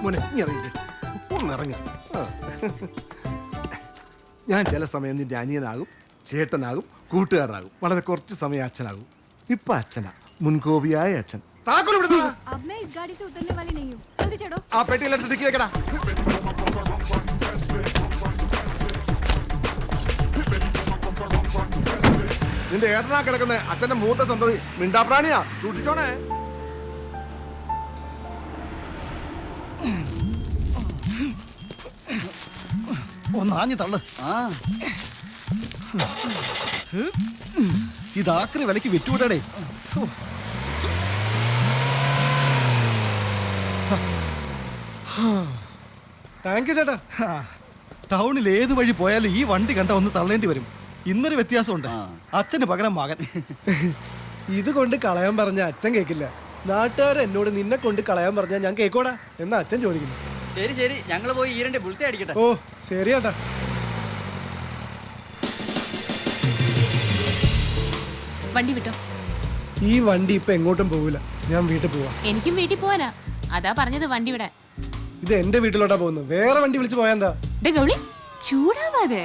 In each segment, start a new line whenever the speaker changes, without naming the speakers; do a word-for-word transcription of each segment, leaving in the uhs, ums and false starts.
മോനെ ഇറങ്ങി ഒന്നിറങ്ങി. ഞാൻ ചില സമയം നിന്റെ അനിയനാകും, ചേട്ടനാകും, കൂട്ടുകാരനാകും. വളരെ കുറച്ച് സമയം അച്ഛനാകും. ഇപ്പൊ അച്ഛനാ, മുൻകോപിയായ അച്ഛൻ. ആ പെട്ടിയിലെടുത്ത് തിക്കി വെക്കടാ. നിന്റെ ഏട്ടനാ കിടക്കുന്ന അച്ഛന്റെ മൂത്ത സന്തതി മിണ്ടാപ്രാണിയാ, സൂക്ഷിച്ചോണേ.
ഒന്നാഞ്ഞു തള്ളു. ഇതാക്രി വിലക്ക് വിറ്റുവിടേ.
താങ്ക് യു ചേട്ടാ.
ടൗണിൽ ഏത് വഴി പോയാലും ഈ വണ്ടി കണ്ട ഒന്ന് തള്ളേണ്ടി വരും. ഇന്നൊരു വ്യത്യാസമുണ്ട്, അച്ഛന് പകരം മകൻ.
ഇത് കൊണ്ട് കളയാൻ പറഞ്ഞ അച്ഛൻ കേൾക്കില്ല. നാട്ടുകാർ എന്നോട് നിന്നെ കൊണ്ട് കളയാൻ പറഞ്ഞാൽ ഞാൻ കേക്കോടാ എന്നാ അച്ഛൻ ചോദിക്കുന്നു.
ശരി ശരി, ഞങ്ങള് പോയി ഈരന്റെ ബുൾസൈ അടിക്കട്ടെ.
ഓ ശരി ചേട്ടാ.
വണ്ടി വിട്ടോ.
ഈ വണ്ടി ഇപ്പൊ എങ്ങോട്ടും പോവില്ല, ഞാൻ വീട്ടിൽ പോവാ.
എനിക്കും വീട്ടിൽ പോവാനാ, അതാ പറഞ്ഞത് വണ്ടി വിടാൻ.
ഇത് എന്റെ വീട്ടിലോട്ടാ പോകുന്നത്, വേറെ വണ്ടി വിളിച്ച് പോയാ എന്താ?
ഗൗളി ചൂടാവാതെ.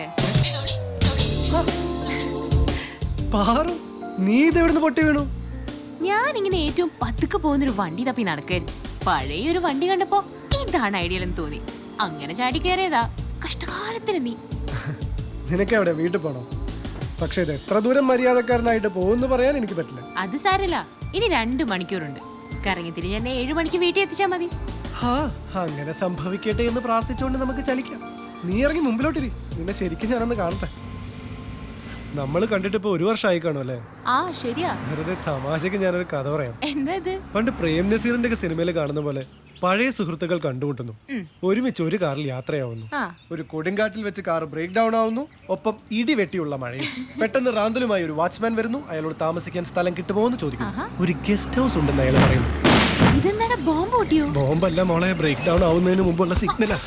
പാറു, നീ ഇത് എവിടുന്ന് പൊട്ടി വീണു?
ഞാൻ ഇങ്ങനെ ഏറ്റവും പതുക്കെ പോകുന്നൊരു വണ്ടി തപ്പി നടക്കായിരുന്നു. പഴയൊരു വണ്ടി കണ്ടപ്പോ ഇതാണ് ഐഡിയൽ എന്ന് തോന്നി, അങ്ങനെ ചാടി കയറിയതാ. കഷ്ടകാലത്തിന് നീ.
നിനക്ക് എവിടെ വീട്ടിൽ പോണോ? പക്ഷെ ഇത് എത്ര ദൂരം മര്യാദക്കാരനായിട്ട് പോകുന്നു പറയാൻ എനിക്ക് പറ്റില്ല.
അത് സാരല്ല, ഇനി രണ്ടു മണിക്കൂറുണ്ട്. കറങ്ങി തിരിഞ്ഞ് എന്നെ ഏഴു മണിക്ക് വീട്ടിൽ എത്തിച്ചാ മതി.
ഹാ, അങ്ങനെ സംഭവിക്കട്ടെ എന്ന് പ്രാർത്ഥിച്ചുകൊണ്ട് നമുക്ക് ചലിക്കാം. നീ ഇറങ്ങി മുമ്പിലോട്ടിരി, നിന്നെ ശരിക്കും ഞാനൊന്ന് കാണട്ടെ. നമ്മൾ കണ്ടിട്ട് ഇപ്പൊ ഒരു വർഷമായി കാണും അല്ലേ?
ആ ശരിയാ.
വെറുതെ തമാശക്ക് ഞാനൊരു കഥ പറയാം.
എന്താ ഇത്?
പണ്ട് പ്രേം നസീറിന്റെ ഒക്കെ സിനിമയിൽ കാണുന്ന പോലെ പഴയ സുഹൃത്തുക്കൾ കണ്ടുമുട്ടുന്നു, ഒരുമിച്ച് ഒരു കാറിൽ യാത്രയാവുന്നു. ഒരു കൊടുങ്കാറ്റിൽ വെച്ച് കാർ ബ്രേക്ക് ഡൗൺ ആവുന്നു, ഒപ്പം ഇടി വെട്ടിയുള്ള മഴയും. പെട്ടെന്ന് റാന്തലുമായി ഒരു വാച്ച്മാൻ വരുന്നു. അയാളോട് താമസിക്കാൻ സ്ഥലം കിട്ടുമോ എന്ന് ചോദിക്കുന്നു. ഒരു ഗസ്റ്റ് ഹൗസ് ഉണ്ടെന്ന് അയാൾ പറയുന്നു. ബോംബല്ല മോളെ, ബ്രേക്ക് ഡൗൺ ആവുന്നതിന് മുമ്പുള്ള സിഗ്നലാ.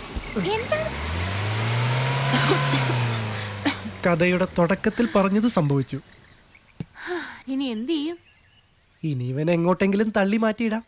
കഥയുടെ തുടക്കത്തിൽ പറഞ്ഞത് സംഭവിച്ചു.
ഇനി എന്ത് ചെയ്യും?
ഇനി ഇവനെ എങ്ങോട്ടെങ്കിലും തള്ളി മാറ്റിയിടാം.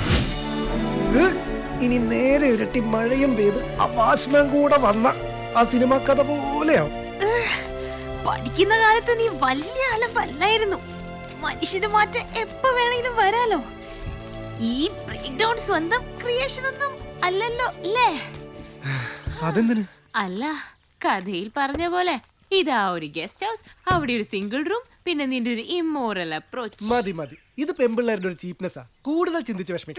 ഇനി നേരെ ഇരട്ടി മഴയും പെയ്ത് ആ വാച്ച്മാൻ കൂടെ വന്ന ആ സിനിമ കഥ പോലെയാവും.
പഠിക്കുന്ന കാലത്ത് നീ വലിയ അലമ്പല്ലായിരുന്നു. മനുഷ്യന് മാറ്റം എപ്പോ വേണമെങ്കിലും വരാലോ. ഈ ബ്രേക്ക് ഡൗൺ സ്വന്തം ക്രിയേഷൻ ഒന്നും അല്ലല്ലോ അല്ലേ?
അതെന്തിന്?
അല്ല, കഥയിൽ പറഞ്ഞ പോലെ ഇതാ ഒരു ഗസ്റ്റ് ഹൗസ്, അവിടെ ഒരു സിംഗിൾ റൂം, പിന്നെ നിന്റെ ഒരു ഇമ്മോറൽ അപ്രോച്ച്.
മതി മതി, ഇത് പെമ്പിള്ളേരുടെ ഒരു ചീപ്നെസ്സാ. കൂടുതൽ ചിന്തിച്ച് വിഷമിക്കണം.